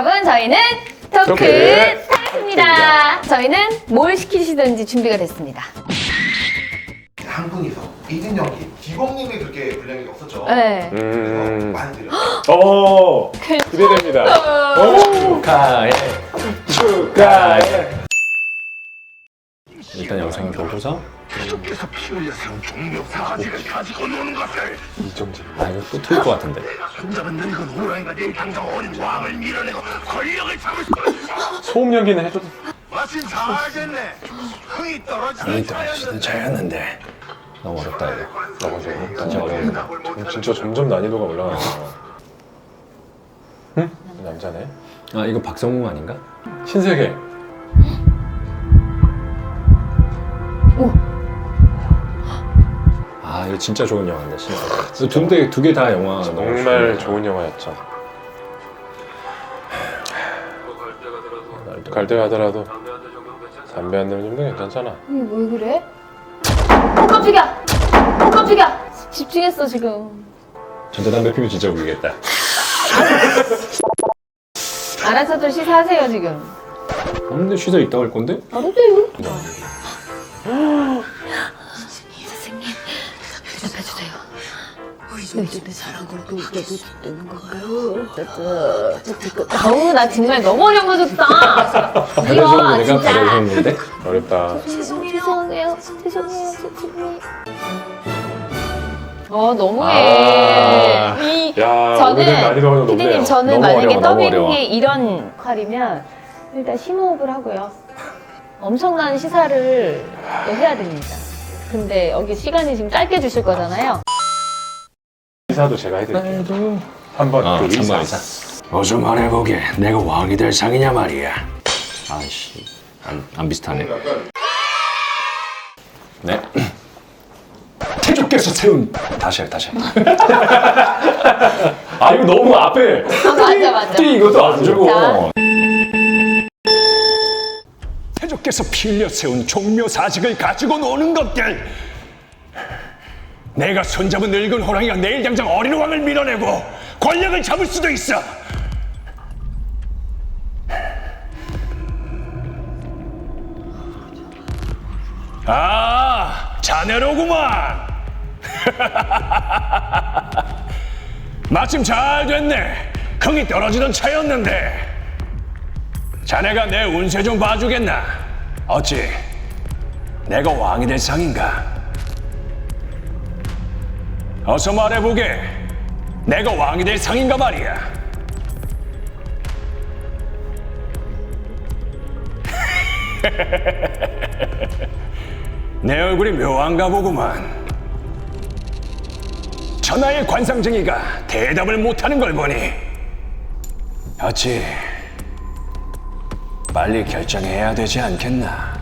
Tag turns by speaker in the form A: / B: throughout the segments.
A: 여러분, 저희는 토크 타임입니다. 저희는 뭘 시키시든지 준비가 됐습니다.
B: 한 분이서 1인 연기 기범님이 그렇게 분량이 없었죠?
A: 네.
B: 그래서 많이 드려요.
C: 기대됩니다. 축하해. 축하해. 일단 영상을 보고서
D: 계속해서 피 흘려세운 종묘 사지를 가지고 노는 것을
C: 이정재. 아 이거 또 틀릴 것 같은데.
D: 손잡은 늙은 호랑이가 내 당장 어린 왕을 밀어내고 권력을 잡을 수
C: 소음 연기는 해줘도.
D: 마침 잘겠네. 흥이 떨어지는
C: 떨어지는 차였는데 너무 어렵다 이거. 너무 어렵다. 진짜 어려운다. 진짜 점점 난이도가 올라가네. 응? 남자네. 아 이거 박성웅 아닌가? 신세계. 아 이거 진짜 좋은 영화인데 신세계. 두 개 다 영화
E: 정말 좋은 영화였죠. 갈 때 가더라도 담배 한 대만 정도 괜찮잖아.
A: 이게 왜 그래? 깜짝이야! 깜짝이야! 집중했어, 지금.
C: 전자담배 피면 진짜 울리겠다.
A: 알아서들 시사하세요, 지금.
C: 근데 쉬서 있다고 할 건데?
A: 알았어요. 선생님, 대답해주세요. 요즘에 사랑으로도 이겨도 되는 건가요? 아우, 나 정말 너무 어려운 거 줬다.
C: 그래서 내가
A: 진짜.
C: 그랬는데?
E: 어렵다.
A: 죄송해요. 선생님. 너무해.
E: 야, 오늘은 난이도가 좀 높네요.
A: 피디님, 저는
C: 너무
A: 만약에
C: 어려워, 너무 어려워.
A: 더빙이 이런 역할이면 일단 심호흡을 하고요. 엄청난 시사를 또 해야 됩니다. 근데 여기 시간이 지금 짧게 주실 거잖아요.
E: 의사도 제가 해드릴게요. 한번 그 의사.
D: 어서 말해보게. 내가 왕이 될 상이냐 말이야.
C: 아이씨 안 비슷하네. 네.
D: 태조께서 세운
C: 다시 해. 아 이거 너무 앞에
A: 맞아.
C: 이것도 안 주고.
A: 자.
D: 태조께서 피 흘려 세운 종묘 사직을 가지고 노는 것들. 내가 손잡은 늙은 호랑이가 내일 당장 어린 왕을 밀어내고 권력을 잡을 수도 있어. 아, 자네로구만. 마침 잘 됐네. 흥이 떨어지던 차였는데. 자네가 내 운세 좀 봐주겠나? 어찌 내가 왕이 될 상인가? 어서 말해보게. 내가 왕이 될 상인가 말이야. 내 얼굴이 묘한가 보구만. 천하의 관상쟁이가 대답을 못하는 걸 보니 어찌 빨리 결정해야 되지 않겠나?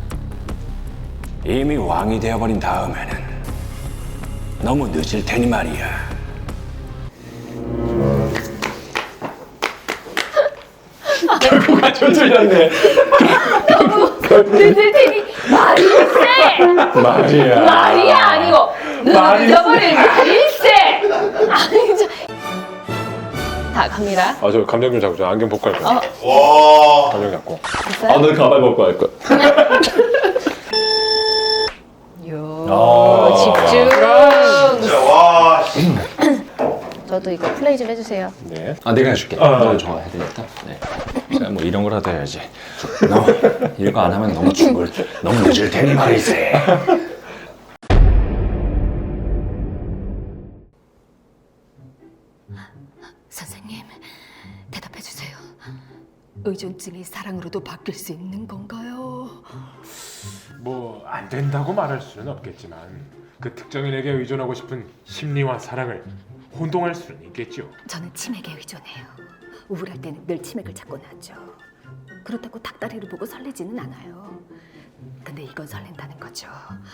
D: 이미 왕이 되어버린 다음에는 너무 늦을 테니 말이야.
C: 결국은 저 틀렸네.
A: 늦을 테니 말일세! 말이야 아니고 늦어버릴 말일세! 아니 저... 다 갑니다.
E: 아, 저 감정 좀 잡고 저 안경 벗고 할 거야.
B: 와.
E: 감정 잡고.
A: 됐어요?
C: 너 가발 벗고 할 거야.
A: 집중.
B: 진짜 와.
A: 저도 이거 플레이 좀 해주세요.
E: 네.
C: 아 내가 해줄게. 너 좋아해야 되니까. 네. 제가 뭐 이런 거라도 해야지. 너 이거 안 하면 너무 늦을 테니 말이지.
F: 선생님, 대답해주세요. 의존증이 사랑으로도 바뀔 수 있는 건가요?
E: 뭐 안 된다고 말할 수는 없겠지만 그 특정인에게 의존하고 싶은 심리와 사랑을 혼동할 수는 있겠죠.
F: 저는 치맥에 의존해요. 우울할 때는 늘 치맥을 찾곤 하죠. 그렇다고 닭다리를 보고 설레지는 않아요. 근데 이건 설렌다는 거죠.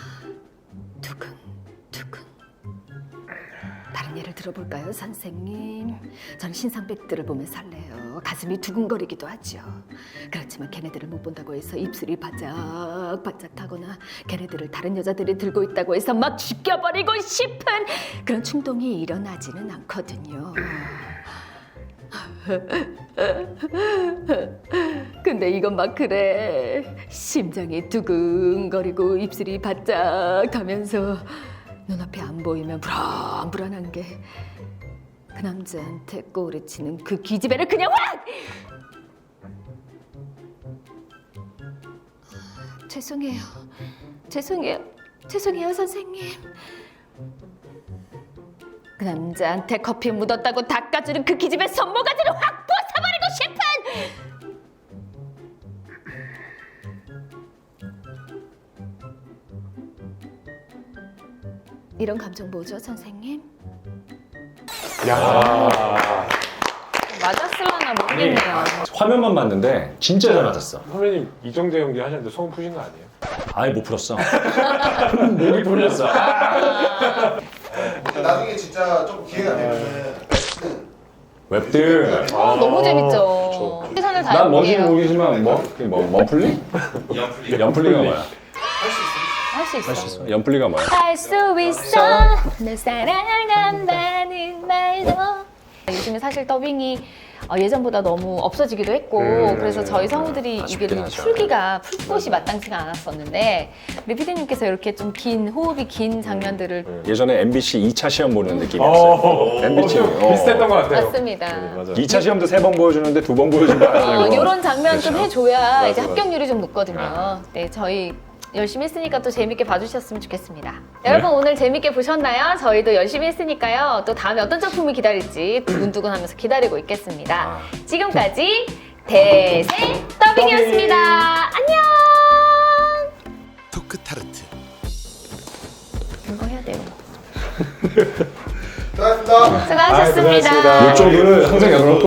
F: 두근두근. 다른 예를 들어볼까요, 선생님? 전 신상백들을 보면 설레요. 가슴이 두근거리기도 하죠. 그렇지만 걔네들을 못 본다고 해서 입술이 바짝바짝하거나 걔네들을 다른 여자들이 들고 있다고 해서 막 죽여버리고 싶은 그런 충동이 일어나지는 않거든요. 근데 이건 막 그래. 심장이 두근거리고 입술이 바짝하면서 눈앞이 안 보이면 불안한 게 그 남자한테 꼬리치는 그 기집애를 그냥 확! 죄송해요. 죄송해요, 선생님. 그 남자한테 커피 묻었다고 닦아주는 그 기집애 손모가지를 확 부숴버리고 싶은! 이런 감정 뭐죠, 선생님?
E: 야.
A: 맞았을라나 모르겠네요.
C: 화면만 봤는데 진짜 잘 맞았어.
E: 선배님 이정재 연기 하셨는데 소금 푸신 거 아니에요?
C: 아예 못 풀었어. 목이 풀렸어.
B: 나중에 진짜 좀 기회가 되면은
C: 웹들.
A: 너무 재밌죠. 최선을
C: 난 뭔지
A: 다해볼게요.
C: 모르겠지만 머플리? 연플리가 뭐야?
A: 할 수 있어.
C: 할 수 있어. 연플리가 뭐야?
A: 할 수 있어. 널 사랑한다는 말도. 요즘에 사실 더빙이 예전보다 너무 없어지기도 했고 그래서 저희 성우들이 이게
C: 아쉽긴
A: 좀
C: 하죠.
A: 풀 곳이 마땅치가 않았었는데 우리 피디님께서 이렇게 좀 긴 호흡이 긴 장면들을
C: 예전에 MBC 2차 시험 보는 느낌이었어요. MBC.
E: 비슷했던 것 같아요.
A: 맞습니다.
C: 맞아. 2차 시험도 3번 보여주는데 2번 보여준 거 아니에요?
A: 이런 장면 좀 해줘야 이제
C: 맞아.
A: 합격률이 좀 높거든요. 네, 저희 열심히 했으니까 또 재밌게 봐주셨으면 좋겠습니다. 여러분 오늘 재밌게 보셨나요? 저희도 열심히 했으니까요. 또 다음에 어떤 작품이 기다릴지 두근두근하면서 기다리고 있겠습니다. 지금까지 대세 더빙이었습니다. 안녕.
B: 토크 타르트.
A: 이거 해야 돼요.
B: 수고하셨습니다.
A: 수고하셨습니다.
E: 수고하셨습니다.
C: 이쪽을 항상 열어놓고